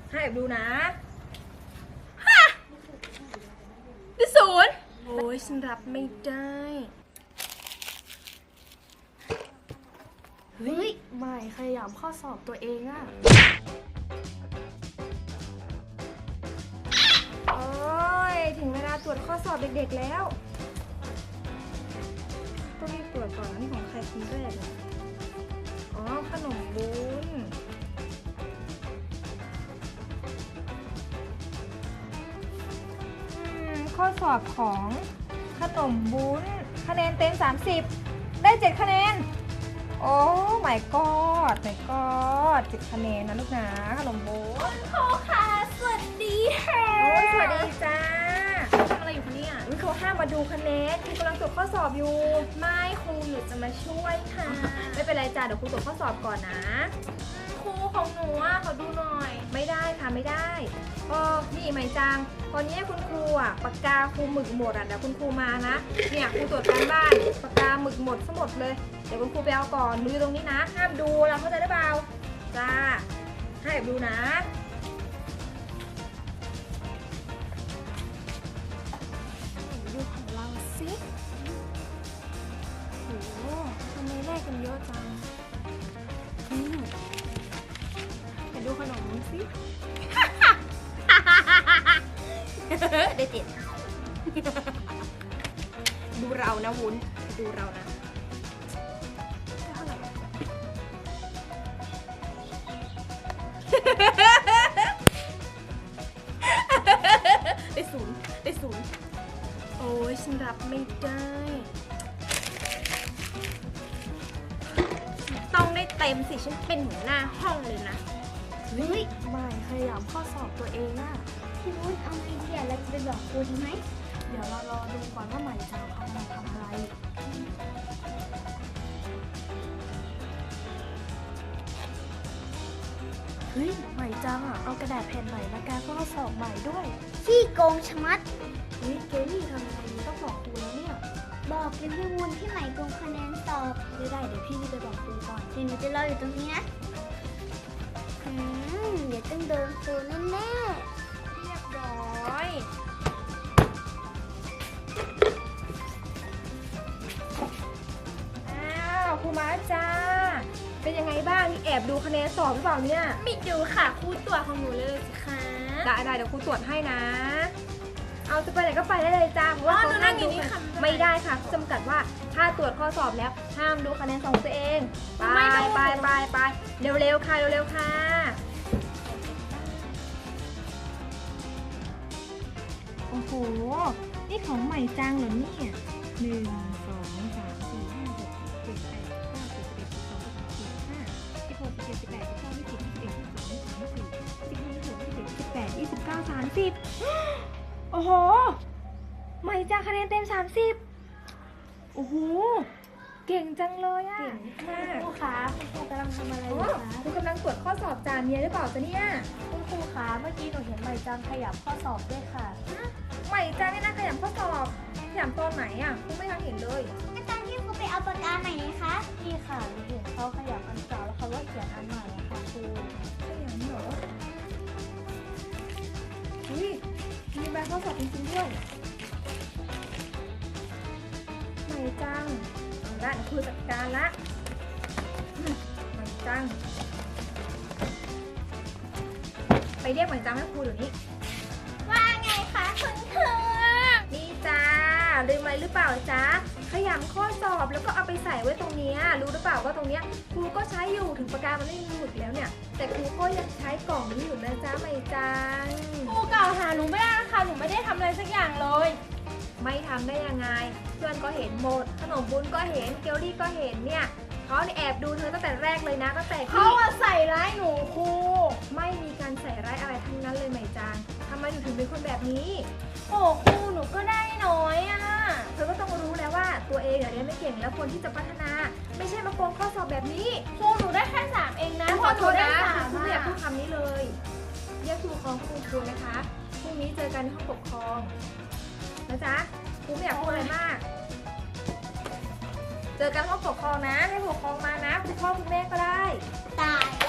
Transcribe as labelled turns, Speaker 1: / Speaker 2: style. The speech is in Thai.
Speaker 1: ให้ดูนะ
Speaker 2: ได้ศูนย์
Speaker 1: โอ้ยฉันรับไม่ได้
Speaker 2: เฮ้ยไม่ขยับข้อสอบตัวเองอะ
Speaker 1: โอ้ยถึงเวลาตรวจข้อสอบเด็กๆแล้วต้องรีบตรวจก่อนนะนี่ของใครคนแรกเลยอ๋อขนมบุญข้อสอบของขนมบุญคะแนนเต็ม30ได้7คะแนนโอ้ my god 7คะแนนนะลูกนะขนมบุญ
Speaker 2: ครูค่ะสวัสดีค่ะ
Speaker 1: โอ้ยสวัสดีจ้า
Speaker 2: ทำอะไรอยู่คะเนี่ย
Speaker 1: เขาห้ามมาดูคะแนนครูกำลังตรวจข้อสอบอยู่
Speaker 2: ไม่ครูหนูจะมาช่วยค่ะ
Speaker 1: ไม่เป็นไรจ้าเดี๋ยวครูตรวจข้อสอบก่อนนะ
Speaker 2: ครูของหนูอ่ะขอดูหน่อย
Speaker 1: ไม่ได้ค่ะไม่ได้นี่ไหมจังตอนนี้คุณครูปากกาครูหมึกหมดเดี๋ยวคุณครูมานะเนี่ยครูตรวจการบ้านปากกาหมึกหมดทั้งหมดเลยเดี๋ยวคุณครูไปเอาก่อนดูอยู่ตรงนี้นะห้ามดูเราเข้าใจได้เปล่าจ้าให้ดูนะ
Speaker 2: ดูของเราสิโหทำไมแลกกันเยอะจังไปดูขนมสิ
Speaker 1: ได้เจ็ดดูเรานะวุ้นดูเรานะ
Speaker 2: ได้ศูนย์
Speaker 1: โอ้ยฉันรับไม่ได้
Speaker 2: ต้องได้เต็มสิฉันเป็นหัวหน้าห้องเลยนะ
Speaker 3: เฮ้ย
Speaker 2: ไม่ขยับข้อสอบตัวเองอะ
Speaker 3: พี่วุ้นเอาไงดีเราจะไปบอกครูดีไหม
Speaker 2: เดี๋ยวเรารอดูก่อนว่าใหม่จะเอามาทำอะไรเฮ้ยใหม่จังเอากระดาษแผ่นใหม่มาแก้ข้อสอบใหม่ด้วย
Speaker 3: ขี้โกงชะมัด
Speaker 2: เฮ้ยเกลลี่ทำยังไงดีต้องบอกครูแล้วเนี่ย
Speaker 3: บอกเป็นพี่วุ้นที่ใหม่โกงคะแนนสอบ
Speaker 2: ไม่ได้เดี๋ยวพี่รีบไปบอกครูก่อน
Speaker 3: เดี๋ยวหนูจะรออยู่ตรงนี้นะเดี๋ยวต้องโดนครูแน่
Speaker 1: เรียบร้อยอ้าวครูมาจ้าเป็นยังไงบ้างนี่แอบดูคะแนนสอบหรือเปล่าเนี่ย
Speaker 2: ไม่ดูค่ะครูตรวจของหนูเลยสิคะ
Speaker 1: ได้เดี๋ยวครูตรวจให้นะ เอาจะไปไหนก็ไปได้เลยจ้าเพราะว่าเขาห้ามดูไม่ได้ค่ะจำกัดว่าถ้าตรวจข้อสอบแล้วห้ามดูคะแนนของตัวเองไปเร็วๆค่ะเร็วๆค่ะโอ้โหนี่ของใหม่จังเหรอเนี่ย1 2 3 4 5 6 7 8 9 10 11 12 13 14 15 16 17 18 19 20 โอ้โหใหม่จังคะแนนเต็ม30โอ้โหเก่งจังเลยอะเก่งมาก
Speaker 3: ๆครูคะคุณครูกำลังทำอะไรอยู่คะ
Speaker 1: ครูกำลังตรวจข้อสอบจานเนี้ยหรือเปล่าจ๊ะเนี่ย
Speaker 2: คุณครูคะเมื่อกี้หนูเห็นใหม่จังขยับข้อสอบด้วยค่ะ
Speaker 1: ใหม่จังนี่นะขยำข้อสอบขยำตอนไหนอะครูไม่ทันเห็นเลย
Speaker 3: อาจารย์ที่ครูไปเอาปากกาใหม่นี่คะ
Speaker 2: นี่ค่ะหนูเห็นเขาขยับอันเก่าแล้วเขาก็เขียนอันใหม่อะค่ะครู
Speaker 1: ขยำเหรออุ้ยมีใบข้อสอบจริงๆด้วยใหม่จังด้านครูจัดการละใหม่จังไปเรียกใหม่จังให้ครูเดี๋ยวนี้
Speaker 3: ว่าไงคะคุณครู
Speaker 1: นี่จ้าลืมอะไรหรือเปล่าจ๊ะขยำข้อสอบแล้วก็เอาไปใส่ไว้ตรงเนี้ยรู้หรือเปล่าว่าตรงเนี้ยครูก็ใช้อยู่ถึงปากกามันไม่มีหมึกแล้วเนี่ยแต่ครูก็ยังใช้กล่องนี้อยู่นะจ๊ะไม่จัง
Speaker 2: ครูกล่าวหาหนูไม่ได้นะคะหนูไม่ได้ทำอะไรสักอย่างเลย
Speaker 1: ไม่ทำได้ยังไงเพื่อนก็เห็นหมดขนมบุญก็เห็นเกลลี่ก็เห็นเนี่ยเขาแอบดูเธอตั้งแต่แรกเลยนะตั้งแต่
Speaker 2: เขา
Speaker 1: ที่
Speaker 2: อะใส่ร้ายหนูครู
Speaker 1: ไม่มีการใส่ร้ายอะไรทั้งนั้นเลยไหมจังทำไมถึงเป็นคนแบบนี้
Speaker 2: โอ้ครูหนูก็ได้น้อยอะ
Speaker 1: เธอก็ต้องรู้แล้วว่าตัวเองเรียนไม่เก่งแล้วควรที่จะพัฒนา ไม่ใช่มาโกงข้อสอบแบบนี้
Speaker 2: ครูหนูได้แค่3เองนะ
Speaker 1: ขอโทษนะ
Speaker 2: ห
Speaker 1: ครูไม่อยากพู
Speaker 2: อะ
Speaker 1: ดคำนี้เลยเรียกครูของครูนะคะพรุ่งนี้เจอกันในห้องปกครองนะจ๊ะครูไม่อยากพูดอะไรมาก เจอกันห้องปกครองนะให้ผู้ปกครองมานะคุณพ่อคุณแม่ก็ได้
Speaker 3: ตาย